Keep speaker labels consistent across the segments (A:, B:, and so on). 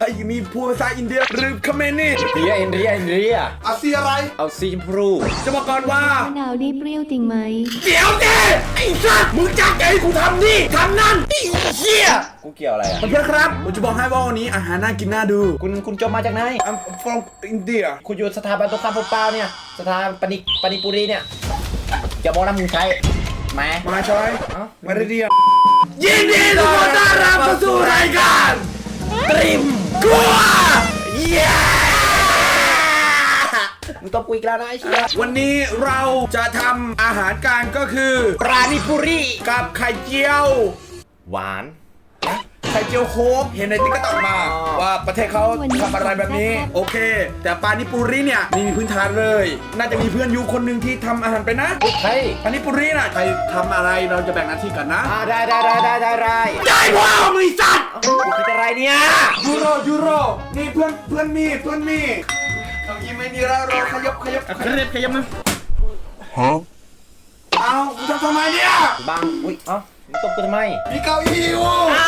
A: มีพูดภาษาอินเดียหรือเขมรนี่
B: เรีย
A: อาซีอะไร
B: เอาสีชมพู
A: จะบอกก่อนว่าม
C: ะนาวนี่เปรี้ยวจริงไหม
A: เดี๋ยวเด้ไอ้สัสมึงจักไอ้กูทำนี่ทำนั่นไอ้เหี้ย
B: กูเกี่ยวอะไรอ่ะ
A: เพื่อนๆครับผมจะบอกให้ว่าวันนี้อาหารน่ากินน่าดู
B: คุณจบมาจากไหน
A: I'm from India
B: คุณอยู่สถาบันตรงข้ามพวกเปล่าเนี่ยสถาบันปนิปุรีเนี่ยจะบอกนะมึงใช้แหม
A: มาชอย
B: เอ้า
A: มาเรียนยินดีต้อนรับเข้าสู่รายการตริมกลัวเย้
B: มึงต้องกูอีกแล้วนะไอ้เชี่ย
A: วันนี้เราจะทำอาหารกันก็คือ
B: ปราณิปุรี
A: กับไข่เจียว
B: หวาน
A: ไข่เจียวโค้กเห็นในติ๊กต็อกมา
B: อ๋อ
A: ว่าประเทศเขาทำอะไรแบบนี้โอเค แต่ปานิปุริเนี่ยมีพื้นฐานเลย น่าจะมีเพื่อนอยู่คนหนึ่งที่ทำอาหารไปนนะ
B: เฮ้ย
A: ปานิปุริน่ะใครทำอะไรเราจะแบ่งหน้าที่กันนะ
B: ได้
A: ได้พ่อมึงสัตว์
B: กูคิดอะไรเนี่ย
A: ยูโรนี่เพื่อนมีต้องยิ้มไม่ดีแล้วเราขยับ
B: ขยับมา
A: เอามึงทำไมเนี่ย
B: บังอุ้ยเอ้ามึงตบกูทำไม
A: มีเก้าอี้อยู่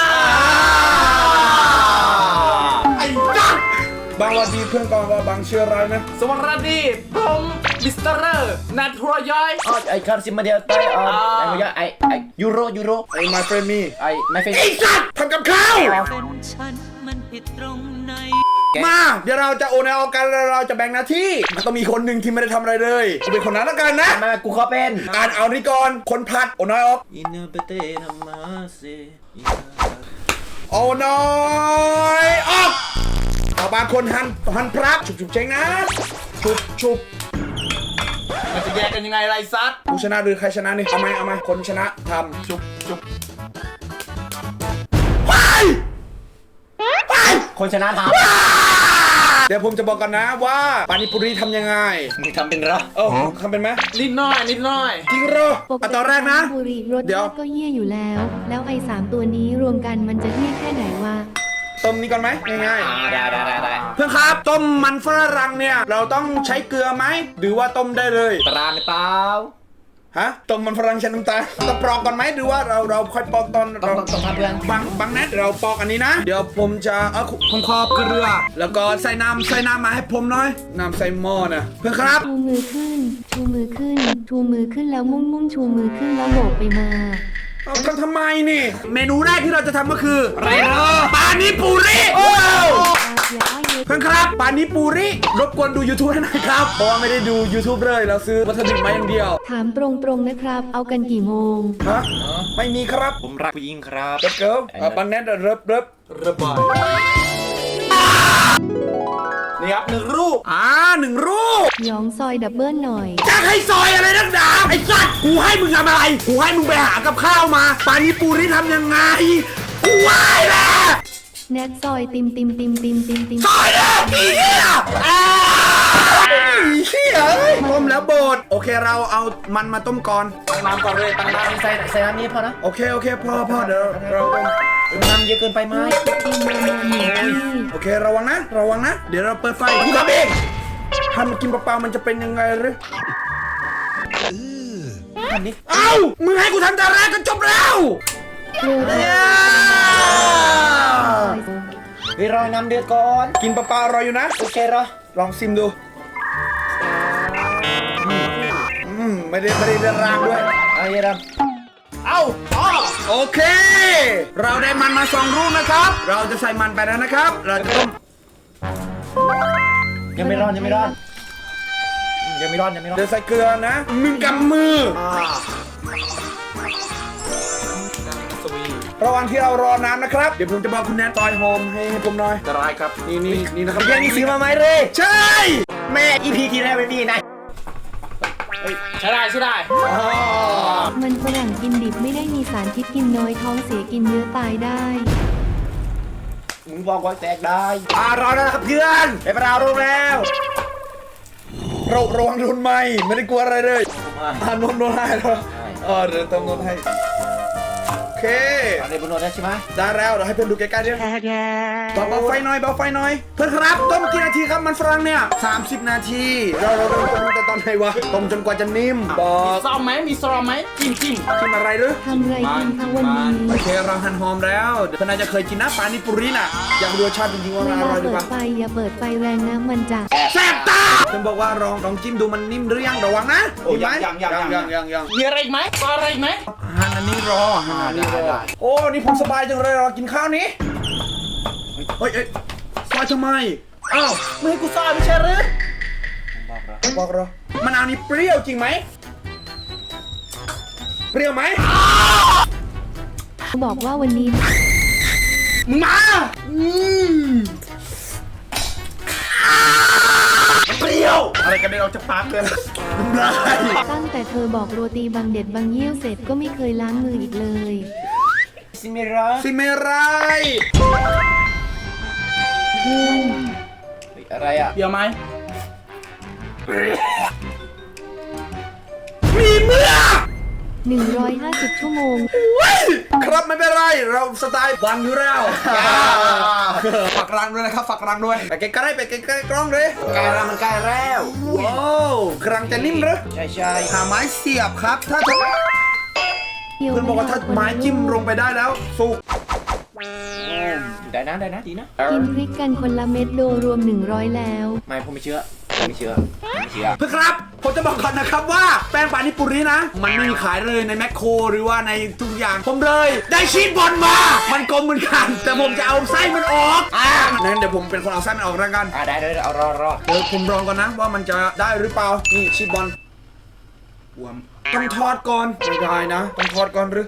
A: ไอ้จัดบางวันดีเพื่อนก่อนว่าบางเชื่ออะไรนะ
D: สวัสดีผมมิสเตอร์นัทรัวย้อย
B: อ๋อไอ้คาร์ซิมาเดียไอ้ไอ้เมื่อไอ้ยูโร
A: ไอ้ my friend me
B: ไอ้ไม่เฟน
A: ไอ้สัตว์ทำกับข้าว
E: เป็นฉันมันผิดตรงไหน
A: มาเดี๋ยวเราจะโอนเอากันแล้วเราจะแบ่งหน้าที่มันต้องมีคนหนึ่งที่ไม่ได้ทำอะไรเลยกูเป็นคนนั้นแล้วกันนะ
B: มากูขอเป็น
A: อ่านเอานี่ก่อนคนผัดโอนน้อยออก
B: อินเนอร์เปเตนามาเซ
A: โอนน้อยออกเอาบางคนหันพรักฉุบเช็งนะฉุบ
D: มันจะแยกกันยังไงไรซัด
A: ผู้ชนะหรือใครชนะนี่เอาไหมคนชนะทำฉุบไป
B: คนชนะท
A: เดี๋ยวผมจะบอกกันนะว่าปานิปุรีทำยังไง
B: ำมึงทำเป็นเหรอ
A: ทำเป็นไหม
D: นิดหน่อย
A: จริงเหรอ
C: ปก
A: อ่ะ
C: ติ
A: ตอนแรกนะ
C: บุรีรส
A: เดี๋ยว
C: ชาติก็เยี่ยอยู่แล้ว แล้วไอ้3ตัวนี้รวมกันมันจะเยี่ยแค่ไหนวะ
A: ต้มนี้ก่อนไหมง่าย
B: ได้
A: ๆเพื่อนครับต้มมันฝรั่งเนี่ยเราต้องใช้เกลือไหมหรือว่าต้มได้เลย
B: ปราณเปล่า
A: ฮะต้มมันฝรั่งใช้น้ำตาลต้องปอกก่อนไหมหรือว่าเราค่อยปอกตอน
B: ต้องทำเพื่อน
A: บางนัดเราปอกอันนี้นะ เดี๋ยวผมจะเอาผมขอเกลือ แล้วก็ใส่น้ำมาให้ผมหน่อยน้ำใส่หม้อนะเพื่อนครับ
C: ชูมือขึ้น ชูมือขึ้น ชูมือขึ้นแล้วมุ่งชูมือขึ้นแล้วโบกไปมา
A: เอาทำไมนี่ เมนูแรกที่เราจะทำก็คืออะไรเนาะปานิปุริโอ้
C: แล้วเย
A: เพื่อนครับปานิปุริรบกวนดู YouTube ให้หน่อยครับเพราะว่าไม่ได้ดู YouTube เลยเราซื้อวัตถุดิบมาอย่างเดียว
C: ถามตรงๆนะครับ เอากันกี่โมง
A: ฮะไม่มีครับ
B: ผมรักผู้หญิงครับ
A: เกิร์ลปันแนทเริบ
D: ระบายนี่ครับ1 รูป
A: หนึ่งรูป
C: ย้องซอยดับเบิลหน่อย
A: จะให้ซอยอะไรนักหนาไอ้สัตว์กูให้มึงทำอะไรกูให้มึงไปหากับข้าวมาปานิปุริทำยังไงกูไหวแล้ว
C: แนทซอยติม
A: ซอยเลยอีเหี้ยเหี้ยเอ้ยต้มแล้วบดโอเคเราเอามันมาต้มก่อน
D: ตั้งน้ำก่อนเลยตั้งน้ำ
B: ใส่น้ำนี้พอนะ
A: โอเคพอเดี๋ยวเราต้ม
B: น้ำเยอะเกินไปไหม
C: ติมมาหนึ่งที่
A: โอเคระวังนะเดี๋ยวเราเปิดไฟกูทำเองทำกินเปล่าๆมันจะเป็นยังไงหรือ
B: ทำนี้
A: เอ้ามึงให้กูทำแต่แรกก็จบแล้ว
C: เร็ว
B: เฮ้ยรอน้ำเดือดก่อน
A: กินเปล่าๆอร่อยอยู่นะ
B: โอเคเหรอ
A: ลองซิมดูไม่ได้เดือดร้างด้วย
B: เอาเยอะ
D: เอ้าอ๋อ
A: โอเค เราได้มันมา2 ลูกนะครับ เราจะใส่มันไปแล้วนะครับ เราจะต้ม
B: ยังไม่ร้อนเดี๋ยว
A: ใส่เกลือนะ1 กำมือ
D: สวี
A: ระหว่างที่เรารอน้ำนะครับ เดี๋ยวผมจะบอกคุณแนทซอยโฮมให้ผมหน่อย
D: จะร้ายครับ
A: นี่นะครับ
B: ยังมีซื้อมาไหมเลย
A: ใช่
B: แม่อีพีที่แรกไม่มีนะ
D: ใช่ได้
C: มันฝรั่งกินดิบไม่ได้มีสารพิษกินน้อยท้องเสียกินเยอะตายได้
B: มึงบอกว่าแตกได้รอแล้วนะครับเพื่อนไปปลาโรงแล้ว
A: เราระวังโดนไหมไม่ได้กลัวอะไรเลยนวดให้เหรอเดี๋ยวเติมนวดให้โอเคเค
B: อะไรบนรถได้ใช่ไหม
A: ได้แล้วเดี๋ยวให้เพื่อนดูใกล้ๆดิเบาไฟหน่อยเบาไฟหน่อยเพื่อนครับต้มกี่นาทีครับมันฝรั่งเนี่ย30 นาทีเราเริ่มต้มแต่ตอนไหนวะต้มจนกว่าจะนิ่มบอก
D: ซอมไหมมีซอมไหมจิ้ม
A: กินอะไรหรือ
C: ทำไรกินคะวันนี้
A: โอเคเราหั่นหอมแล้วเพื่อนน่าจะเคยกินนะปานิปุริน่ะอยากดูรสชาติจริงๆว่า
C: เว
A: มันอ
C: ลา
A: ร่อยหรือ
C: เปิ
A: เป
C: ด
A: ล่า
C: ไฟอย่าเปิดไฟแรงนะมันจะ
A: แซ่บตาเพื่อนบอกว่าลองจิ้มดูมันนิ่มหรือยังระวังนะ
B: โอ้
A: มีไหม
B: ยัง
D: มีอะไรอีกไหมอะไรอีกไหม
A: หั่นอันนี้รอหั่นอันนี้รอโอ้นี่ผมสบายจังเลยรอกินข้าวนี้เฮ้ยซอยทำไมอ้าว
D: ไม่ให้กูซอยไม่ใช่หรือ
A: บอกเรามะนาวนี่เปรี้ยวจริงไหมเปรี้ยวไหม
C: บอกว่าวันนี้
D: มึงมา
A: เปรี้ยวอะไรกันเดี๋ยวเราจะปากเลยน้ำลาย
C: ตั้งแต่เธอบอกโรตีบางเด็ดบางเยี่ยวเสร็จก็ไม่เคยล้างมืออีกเลย
B: ซิเมรา
A: ซิเมไร
C: เพื่อน
B: อะไรอ่ะ
D: เดี๋ยวไหม
A: มีเมื่อ
C: 150 ชั่วโมง
A: ครับไม่เป็นไรเราสไตล์บังอยู่แล้วฝากรังด้วยนะครับฝากรังด้วยไปใกล้ๆไปใกล้ๆกล้องเลย
B: ใกล้แล้วมันใกล้แล้ว
A: ว้าวกรังจะนิ่มหรือ
B: ใช่ใช่
A: หาไม้เสียบครับถ้าเพื่อนบอกว่าถ้าไม้จิ้มลงไปได้แล้วสุก
B: ได้นะดีนะ
C: กินพริกกันคนละเม็ดโดรวม 100 แล้ว
B: ไม่ผมไม่เชื่อไม่เชื่อ
A: เพื่อนครับผมจะบอกก่อนนะครับว่าแป้งปานิปุรินะ มันไม่มีขายเลยในแมคโครหรือว่าในทุกอย่างผมเลย ได้ชีสบอลมา มันกลมเหมือนกัน แต่ผมจะเอาไส้มันออกงั้นเดี๋ยวผมเป็นคนเอาไส้มันออกแล้วกัน
B: ได้เอารอ
A: เดี๋ยวผมลองก่อนนะว่ามันจะได้หรือเปล่านี่ชีสบอลวมต้องทอดก่อนไม่ได้นะต้องทอดก่อนหรือ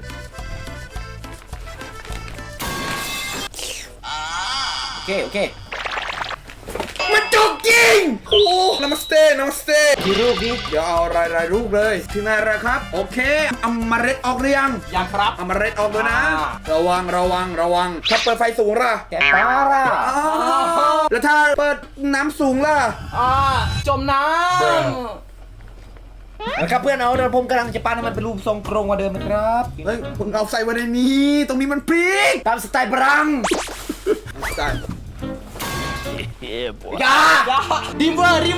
B: โอเค
A: มันจุกจริงโอ้นามัสเต้
B: ดูรูปดิ
A: เดี๋ยวเอารายรูปเลยถึงไหนแล้วครับโอเคเอาเมล็ดออกหรือยัง
D: ยังครับ
A: เอาเมล็ดออกเลยนะ ระวังถ้าเปิดไฟสูงล่ะ
B: แกปลาล่ะ
A: อ๋อแล้วถ้าเปิดน้ำสูงล่ะ
D: จมน้
B: นะครับเพื่อนเอาเดี๋ยวผมกำลังจะปั้นให้มันเป็นรูปทรงกรงกว่าเดิมนะครับ
A: เฮ้ยผมเอาใส่ไว้ในนี้ตรงนี้มันพริก
B: ตามสไตล์บรัง
A: ใส่
B: อย่า
D: ำริมเวอร์
A: เดี๋ยว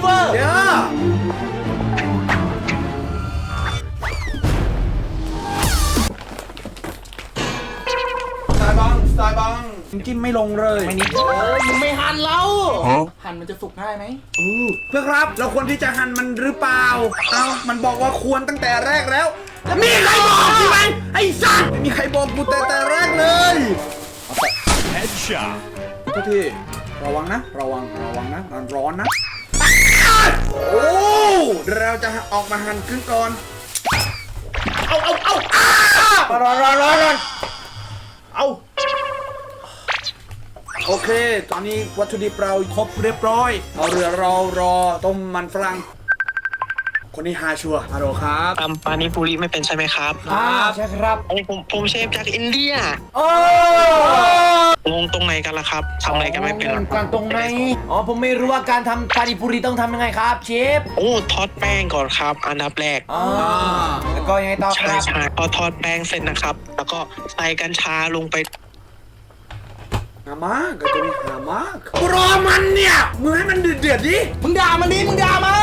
A: สไตล์บังจิ้มไม่ลงเลย
B: ไม่นิด
D: มึงไม่หั่นเราหั่นมันจะสุกง่ายไหม
A: เพื่อนครับเราควรที่จะหั่นมันหรือเปล่ามันบอกว่าควรตั้งแต่แรกแล้วแล้วมีใครบอกใช่ไหมไอ้สัตว์ไม่มีใครบอกกูแต่แรกเลยทุกทีระวังนะมันร้อนนะโอ้เราจะออกมาหั่นครึ่งก่อน
B: รอเอา
A: โอเค ตอนนี้วัตถุดิบเราครบเรียบร้อยเอาเรือรอต้มมันฝรั่งคนนี้ฮาชัวร์ฮัลโหลครับ
F: ทำปานิปุริไม่เป็นใช่ไหมครับ
B: ใช่ครับ
F: ไอ้ผมเชฟจากอินเดีย
B: โอ้
F: งงตรงไหนกันล่ะครับทำอะไรกันไม่เป็นหรอก
B: การตรงไหนผมไม่รู้ว่าการทำปานิปุริต้องทำยังไงครับเชฟ
F: โอ้ทอดแป้งก่อนครับ อันดับแรก
B: แล้วก็ยังไงต่อค
F: ใช่
B: รับ
F: ใช่พอทอดแป้งเสร็จนะครับ แล้วก็ใส่กัญชาลงไป
A: หามากกับตัวนี้หามากรอมันเนี่ยมึงให้มันเดือดดิ
D: มึงด่ามันดิมึงด่ามัน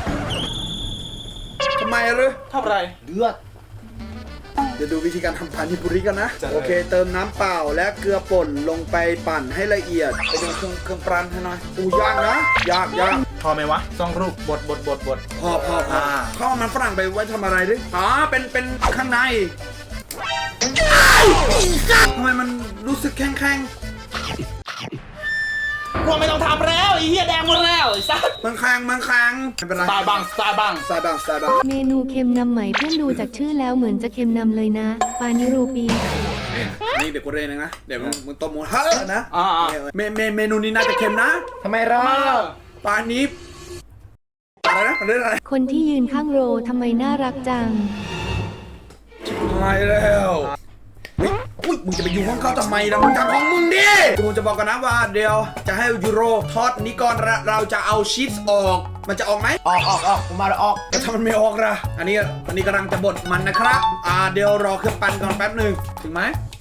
A: ทำไมหรือ
D: ทำอะไร
B: เดือด
A: เดี๋ยวดูวิธีการทำปานิปุริกันนะโอเค เติมน้ำเปล่าและเกลือป่นลงไปปั่นให้ละเอียดไปดูเครื่องปรุงให้หน่อยยากนะยาก
D: พอไหมวะต้องรูปบด
A: พอเข้ามันฝรั่งไปไว้ทำอะไรดิเป็นข้างในทำไมมันรู้สึกแข็ง
D: กลัวไม่ต้องทำแล้วไอ้เหี้ยแดงหมดแล้วไอ้สัส
A: มันแข็งไม่เป็นไร
D: สไตล์บัง
A: ใส่บ้าง
C: เมนูเค็มนำไหมเพื่อนดูจากชื่อแล้วเหมือนจะเค็มนำเลยนะ ปานิรูปี
A: นี่เดี๋ยวกูเรียนเองนะเดี๋ยวมึงต้มหมูเฮ้ยนะ
D: อ่า
A: เมนูนี้น่าจะเค็มนะ
B: ทำไมเรา
A: ปลานี้อะไรนะมันเรื่องอะไร
C: คนที่ยืนข้างโรทำไมน่ารักจัง
A: ตายแล้วอุ้ยมึงจะไปอยู่ห้องเขาทำไมล่ะมึงทำของมึงดิกูจะบอกกันนะว่าเดี๋ยวจะให้ยูโรทอดนี้ก่อนเราจะเอาชีสออกมันจะออกไหม
B: ออกผมมาแล้วออก
A: แต่ถ้ามันไม่ออกล่ะอันนี้กำลังจะบดมันนะครับเดี๋ยวรอเครื่องปั่นก่อนแป๊บหนึ่งถึงไหม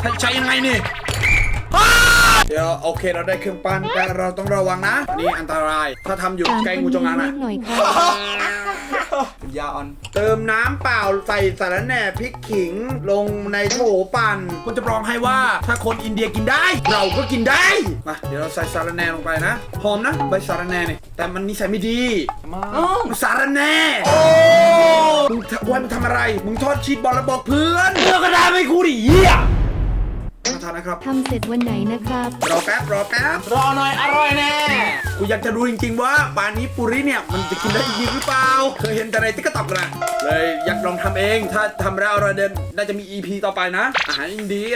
A: ใช้ยังไงนี่เดี๋ยวโอเคเราได้เครื่องปั้นแต่เราต้องระวังนะนี่อันตรายถ้าทำอยู่
C: ถาม
A: ใกล้
C: คน
A: งูจง
C: นี้
A: อางนะ
C: นิดหน่อยค่ะ
A: ยาอ่อนเติมน้ำเปล่าใส่สาระแหน่พริกขิงลงในโถปั่นก็จะบอกให้ว่าถ้าคนอินเดียกินได้ เราก็กินได้มาเดี๋ยวเราใส่สาระแหน่ลงไปนะหอมนะใบสาระแหน่นี่แต่มันนิสัยไม่ดีมันสาระแหน่มึงทำอะไรมึงทอดชีสบอลแล้วบอกเพื่อนเพื่อนก็ได้ไม่กูดิเหี้ยมาทานนะครับ
C: ทำเสร็จวันไหนนะครับ
A: รอแป๊บ
D: รอหน่อยอร่อยแน่
A: กูอยากจะรู้จริงๆว่าปานิปุริเนี่ยมันจะกินได้จริงหรือเปล่าเคยเห็นแต่ในติ๊กต็อกนะเลยอยากลองทำเองถ้าทำแล้วเราเดินน่าจะมี EP ต่อไปนะอาหารอินเดีย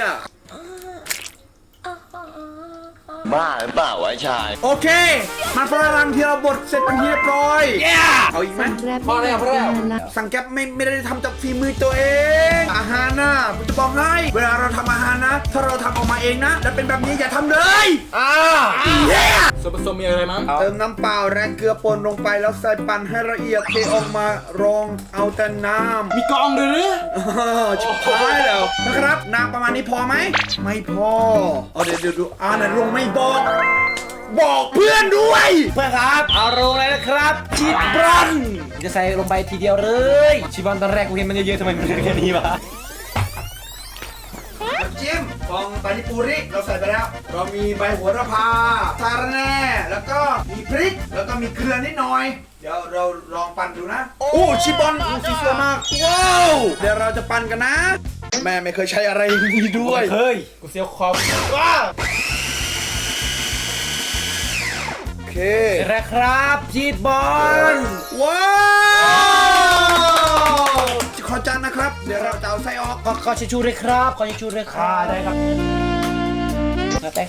G: บ้าหรือเปล่าวะชาย
A: โอเคมันฝรั่งที่เราบดเสร็จเป็นที่เรียบร้อยเอาอีกไหม
C: สั่งแกร็บไม่อยากนานละ
A: สั่งแก๊ปไม่ได้ทำจากฝีมือตัวเอง อาหารนะผมจะบอกให้เวลาเราทำอาหารนะ ถ้าเราทำออกมาเองนะแล้วเป็นแบบนี้อย่าทำเลยเย้
D: ส่วนผสมมีอะไรมั้ง
A: เติมน้ำเปล่าและเกลือป่นลงไปแล้วใส่ปั่นให้ละเอียดเทออกมารองเอาแต่น้ำ
D: มีกองด้วยหรือ
A: ชิบหายแล้วนะครับน้ำประมาณนี้พอไหมไม่พอเอาเดี๋ยวดูไหนลงไม่บอกเพื่อนด้วย
B: เพื่อนครับเอาลงเลยนะครับชีสบอลจะใส่ลงไปทีเดียวเลยชีสบอลตอนแรกกูเห็นมันเยอะๆทำไมมันเหลือแค่นี้วะ
A: น้ำจิ้มของปานิปุริเราใส่ไปแล้วเรามีใบโหระพาสาระแหน่แล้วก็มีพริกแล้วก็มีเกลือนิดหน่อยเดี๋ยวเราลองปั่นดูนะโอ้ชิบอนสีสวยมากว้าวเดี๋ยวเราจะปั่นกันนะ แม่ไม่เคยใช้อะไรอย่างนี้ด้วย
B: เฮ้ย
D: กูเสียวคอม
A: ว้าวโอเค
B: แรกครับชีสบอล
A: ว้าวขอจานนะครับ เดี๋ยวเราจะเอาไส้ออก
B: ขอชิชูด้วยครับขอชิชูด้วยครับได้ครับกระแตก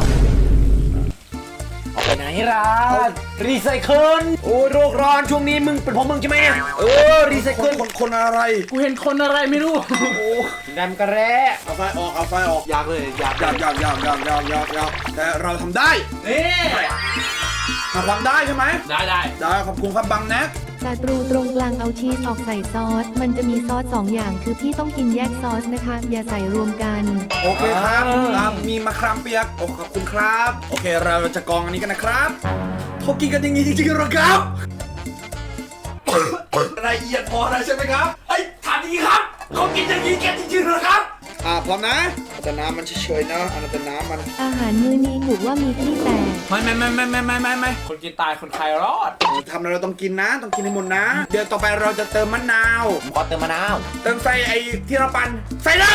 B: เอาไปไหนร้านรีไซเคิลโอ้ยโรคร้อนช่วงนี้มึงเป็นของมึงใช่ไหมรีไซเคิล
A: คนอะไร
D: กูเห็นคนอะไรไม่รู้
B: ดำกระแร่
A: เอาไฟออกเอาไฟออก
D: อยากเลยอยาก
A: ยาวแต่เราทำได้
D: นี่
A: ทำได้ใช่ไหม
D: ได้
A: ได้ขอบคุณครับบังแน็ก
C: ศัตรูตรงกลางเอาชีสออกใส่ซอส มันจะมีซอส2อย่างคือพี่ต้องกินแยกซอสนะคะ อย่าใส่รวมกัน
A: โอเคครับมีมะขามเปียกโอ้ขอบคุณครับโอเคเราจะกรองอันนี้กันนะครับเขากินกันอย่างนี้จริงๆเหรอครับละเอียดพอแล้วใช่ไหมครับเฮ้ยถามจริงครับเขากินอย่างนี้กันจริงๆเหรอครับพร้อมนะแต่น้ำมันเฉยๆนะอันนั้นแต่น้ำมัน
C: อาหารมื้อนี้ถูกว่ามีที่แตก
A: ไม่
D: คนกินตายคนใครรอด
A: ทำอะไรเราต้องกินนะต้องกินให้หมดนะ เดี๋ยวต่อไปเราจะเติมมะนาว
B: ขอเติมมะนาว
A: เติมใส่ไอ้ที่เราปั่นใส่เลย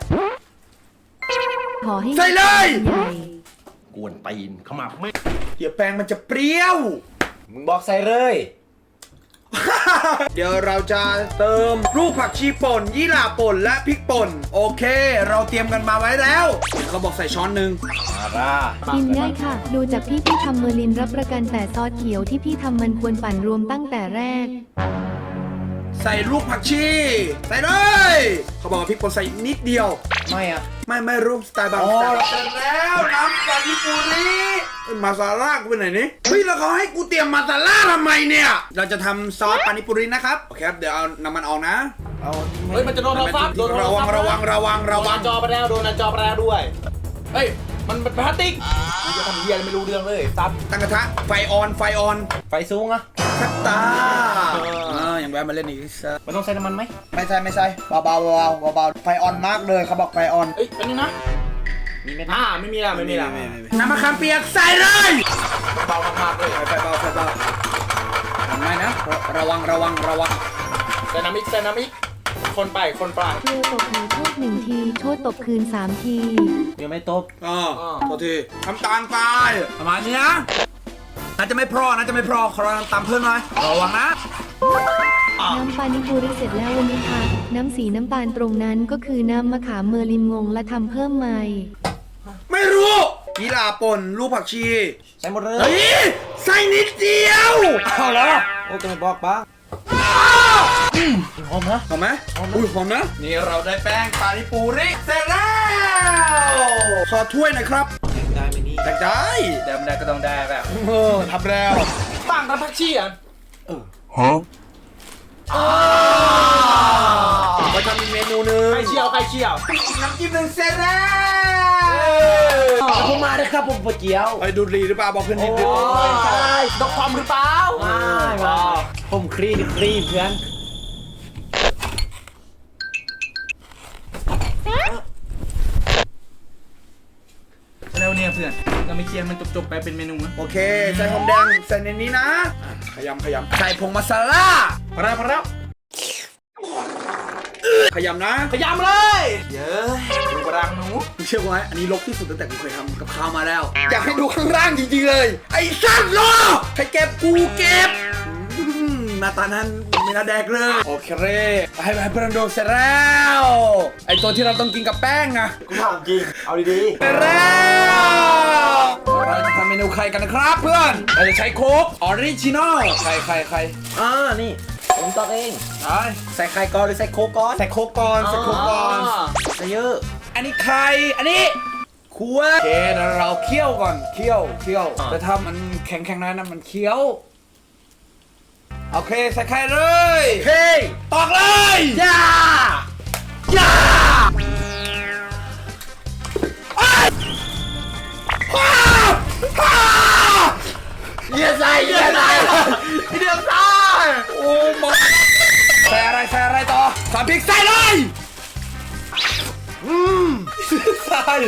C: ขอให้
A: ใส่เลย
C: ใหญ่
B: กวนตีนขมับไม่
A: เดี๋ยวแป้งมันจะเปรี้ยว
B: มึงบอกใส่เลย
A: เดี๋ยวเราจะเติมลูกผักชีป่นยี่หร่าป่นและพริกป่นโอเค เราเตรียมกันมาไว้แล้วเขาบอกใส่ช้อนหนึ่ง
B: มาร่า
C: กินง่ายค่ะ ดูจากพี่ทำเมอร์ลินรับประกันแต่ซอสเขียวที่พี่ทำมันควรปั่นรวมตั้งแต่แรก
A: ใส่ลูกผักชีใส่เลยเขาบอกว่าพริกป่นใส่นิดเดียว
B: ไม่อะ
A: ไม่รู้สไตล์บางสไตล์เสร็จแล้วน้ำปานิปุริมาซาล่ากูไปไหนนี่เฮ้ยแล้วเขาให้กูเตรียมมาซาล่าทำไมเนี่ยเราจะทำซอสปานิปุรินะครับโอเคครับเดี๋ยวเอาน้ำมันออกนะเอา
D: เฮ้ยมันจะโดนเราซับโดน
A: ระวัง
D: โดนหน้าจอไปแล้วโดนหน้าจอไปแล้วด้วยเฮ้ยมันเป็นพลาสติกมันจะทำเหี้ยอะไรไม่รู้เรื่องเลยซับ
A: ตั้งกระทะไฟออน
B: ไฟสูงอะ
A: คัตตาอย่างแวะมาเล่นอีกสัก
B: มันต้องใส่น้ำมันไหม
A: ไม่ใช่เบาไฟออนมากเลยเขาบอกไฟออน
D: เอ้ยอันนี้นะ
B: มีไหม
D: ไม่มีละ
A: น้ำมะขามเปียกใส่เลย
D: เบามากๆเลย
A: ไฟเบาไม่นะระวัง
D: ไดนามิกคนไป
C: เกลือตบหนูโทษ1 ทีโทษตบคืน3 ที
B: ยังไม่ตบ
A: โทษทีทำตาลไปประมาณนี้นะน่าจะไม่พอขอเราตามเพิ่มหน่อยระวังนะ
C: น้ำปานิปุริเสร็จแล้ววันนี้ค่ะ น้ำสีน้ำตาลตรงนั้นก็คือน้ำมะขามเมอร์ลินงงและทำเพิ่มใหม่
A: ไม่รู้ยีราป่นลูกผักชี
B: ใส่หมดเลย
A: เฮ้ยใส่นิดเดียว
B: เอาแล้วโอ้จะไม่บอกบ้างหอมนะ
A: หอมไหมอุ้ยหอมนะนี่เราได้แป้งปานิปุริเสร็จแล้วขอถ้วยหน่อยครับ
B: ได้ไหมนี่
A: ได้
B: เดิมได้ก็ต้องได้แบบ
A: ทำแล้ว
D: ต่างกันพักชีอ่ะ
A: เไปทำอีกเมนูหนึ่ง
D: ใครเชี่ยวใครเชี่ยว
A: น้ำจิ้มหนึ่งเสร็จแล้ว
B: ผมมาเลยครับผมปวดเจียว
A: ไปดูดรีหรือเปล่าบอกเพื่อนนิดนึง
D: ใช่ดอกทอมหรือเปล่า
B: มาผมครีเพื่อน
D: แล้วเนี่ยเพื่อนเราไม่เคลียร์มันจบๆไปเป็นเมนูนะ
A: โอเคใส่หอมแดงใส่ในนี้นะขยำใส่ผงมาซาล่า
D: พอแล้ว
A: ขยำนะ
D: ขยำเลยเยอะดูกระดังหนู
A: มึงเชื่อกูไหมอันนี้ลกที่สุดตั้งแต่กูเคยทำกับข้าวมาแล้ว อยากให้ดูข้างล่างจริงๆเลย ไอ้สัตว์โลใครเก็บกูเก็บหน้าตานั้นไม่น่าแดกเลย โอเคให้เพื่อนดูเสร็จแล้วไอ้ตัวที่เราต้องกินกับแป้งนะ
D: กูถามจริงเอาดี
A: เสร็จแล้วเราจะทำเมนูไข่กันนะครับเพื่อนเราจะใช้โค้กออริจินอลไข่
B: นี่ผมตอกเอง
A: ใช่
B: ใส่ไข่ก่อนหรือใส่โค้กก่อน
A: ใส่โค้กก่อนใส่โค้กก่อน
B: ใส่เยอะ
A: อันนี้ไข่อันนี้คั่วโอเคเดี๋ยวเราเคี่ยวก่อนเคี่ยวแต่ถ้ามันแข็งๆน้อยนะมันเคี้ยวโอเคใส่ไข่เลยโอเคตอกเลยย่าเยี่ยใส่เดี๋ยวใส่โอ้มาใส่อะไรต่อใส่พริกใส่เลยใส่เลย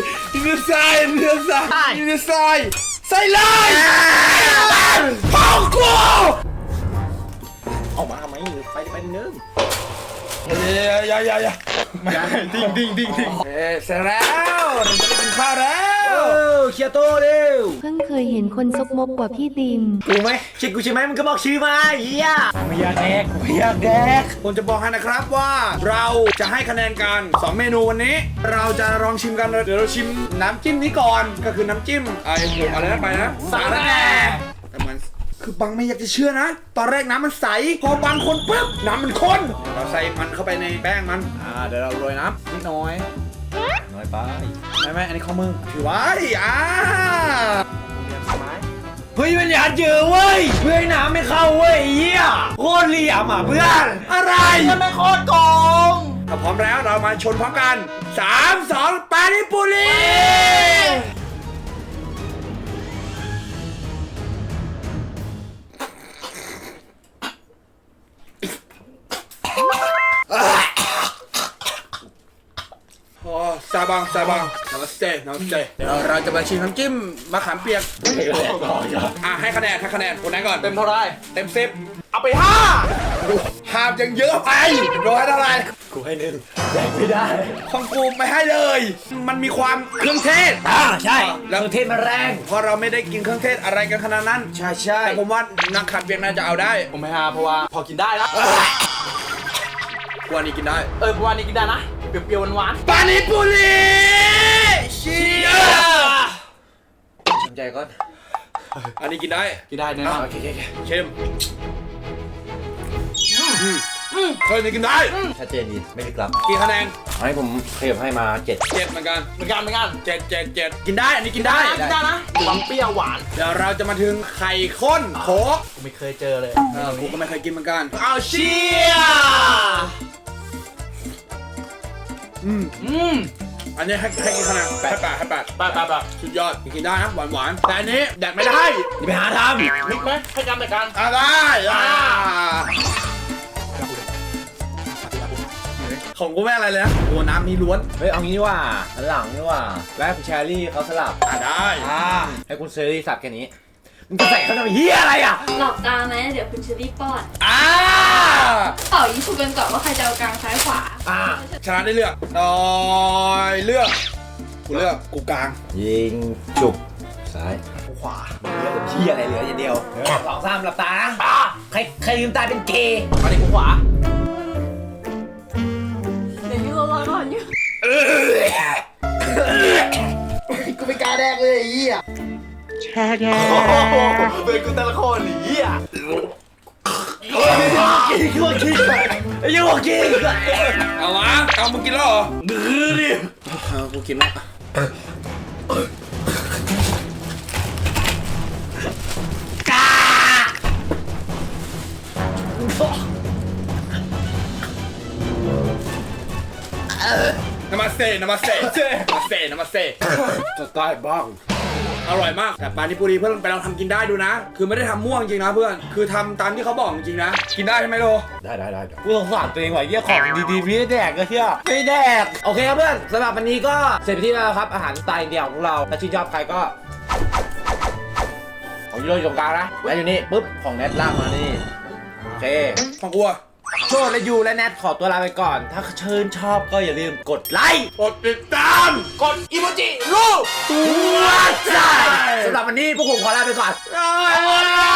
A: พ่อกู
B: ออกมาทำไมไปนึง
A: อย่าดิ่งเสร็จแล้วเราจะได้กินข้าวแล้ว
B: เคียโตเร็ว
C: เพิ่งเคยเห็นคนซกมกกว่าพี่ติม
B: กูไหมชื่อกูใช่ไหมมึงก็บอกชื่อมาเฮียไม่อยากแดก
A: ผมจะบอกให้นะครับว่าเราจะให้คะแนนกัน2เมนูวันนี้ เราจะลองชิมกันเดี๋ยวเราชิมน้ำจิ้มนี้ก่อนก็คือน้ำจิ้มอะไรนะไปนะสาระแหน่แต่มันคือบังไม่อยากจะเชื่อนะ ตอนแรกน้ำมันใสพอบังคนปุ๊บน้ำมันข้นเราใส่มันเข้าไปในแป้งมันเดี๋ยวเราโรยน้ำนิดหน่อย
B: น้อยไป
A: ไม่อันนี้ข้อมือถือไว้
B: เฮ้ยมันอยากเจอเว้ยเพื่อให้น้ำไม่เข้าเว้ยเฮียโคตรเหลี่ยมอ่ะเพื่อน
A: อะไร
D: มันไม่โคตรโกง
A: ถ้าพร้อมแล้วเรามาชนพร้อมกัน3 2ปานิปุรีซาบังนามัสเตเดี๋ยวเราจะมาชิมน้ำจิ้มมะขามเปียกให้คะแนนคนนั้นก่อน
D: เต็มเท่าไร
A: เต็ม10
D: เอาไป5
A: หาบยังเยอะไปร้อยเท่าไหร่
B: กูให้1แดกไม่ได้
A: ของกูไม่ให้เลย มันมีความเครื่องเทศ
B: ใช่แล้วเทศมันแรง
A: เพราะเราไม่ได้กินเครื่องเทศอะไรกันขนาดนั้นใช่แต่ผมว่านักขัดเปียกน่าจะเอาได้
D: ผมไม่5เพราะว่าพอกินได้แล้ว
A: กว่านี้กินได้
D: เพราะว่านี้กินได้นะเปรี้ยวๆหวาน
A: ปานิปุรีเชีย
B: สนใจก่อน
A: อันนี้กินได้
D: กินได้แน่นอน
A: โอเคเค็มเฮ้ยนี่กินได้
B: ชัดเจนดีไม่ได้กลับ
A: กี่คะแนน
B: ให้ผมขยับให้มา7
A: 7เหมือนกัน
D: เหมือนกัน
A: 7กินได้อันนี้กินได้
D: กินได้นะความเปรี้ยวหวาน
A: เดี๋ยวเราจะมาถึงไข่ข้นโค้ก
D: กูไม่เคยเจอเลย
A: กูก็ไม่เคยกินเหมือนกันเอาเชียอันนี้ให้กี่คะแนนให้8
D: ไป
A: สุดยอดกินได้นะหวานแต่อันนี้แดกไม่ได้
B: อย่าไปหาท
D: มิกไหมให้กันแต่กัน
A: ได้ของกูไม่อะไรเลยนะโอ้น้ำนี้ล้วน
B: ำเฮ้ยเอางี้ดีกว่าหลังดีกว่าแล้วคุณแชรี่เขาสลับ
A: ได้
B: ให้คุณเชอรี่สับแค่นี้มึงจะใส่เขาทำไมเฮียอะไรอ่ะ
H: หลอกตาไหมเดี๋ยวคุณเชอรี่ป้อน
C: เป่ายิงฉุกกันก่อนว่าใครจะเอากลางซ้ายขวา
A: ชนะได้เลือกเลือกกูเลือกกูกลาง
B: ยิงจุบซ้ายขวาเหลือเฮียอะไรเหลืออย่างเดียว2 3หลับตานะใครลืมตาเป็นเกย์
D: อันนี้กูขวา
H: เดี๋ยวยูรอก่อนยู
A: กูไม่กล้าแดกเลยไอ้เหี้ย
D: เป็นกูแต่ละคนหนีอ่ะ
A: เอามาเอามึงกินแล้วเหรอมือดิกูกินแล้วเซ่นามาเซ่นามาเซ่นามาเซ่
B: จะตายบ้าง
A: อร่อยมากแต่ปานิปุรีเพื่อนไปลองทำกินได้ดูนะ คือไม่ได้ทำม่วงจริงนะเพื่อนคือทำตามที่เขาบอกจริงนะกินได้ใช่ไหมโล
B: ได้กูสงสารตัวเองว่ะเหี้ยของดีๆไม่ได้แดกก็เหี้ยไม่แดกโอเคครับเพื่อนสำหรับวันนี้ก็เสร็จไปที่แล้วครับอาหารสไตล์อินเดียของเราถ้าชื่นชอบใครก็ของยูโรอยู่ตรงกลางนะแล้วอยู่นี่ปุ๊บของแนทลากมานี่โอเค
A: ของกูอะ
B: โชว์และยูและแนทขอตัวลาไปก่อน ถ้าชื่นชอบก็อย่าลืมกดไลค์
A: กดติดตามกดอีโมจิรูป
B: ตัวใจสำหรับวันนี้พวกผมขอลาไปก่อน
A: บ๊ายบาย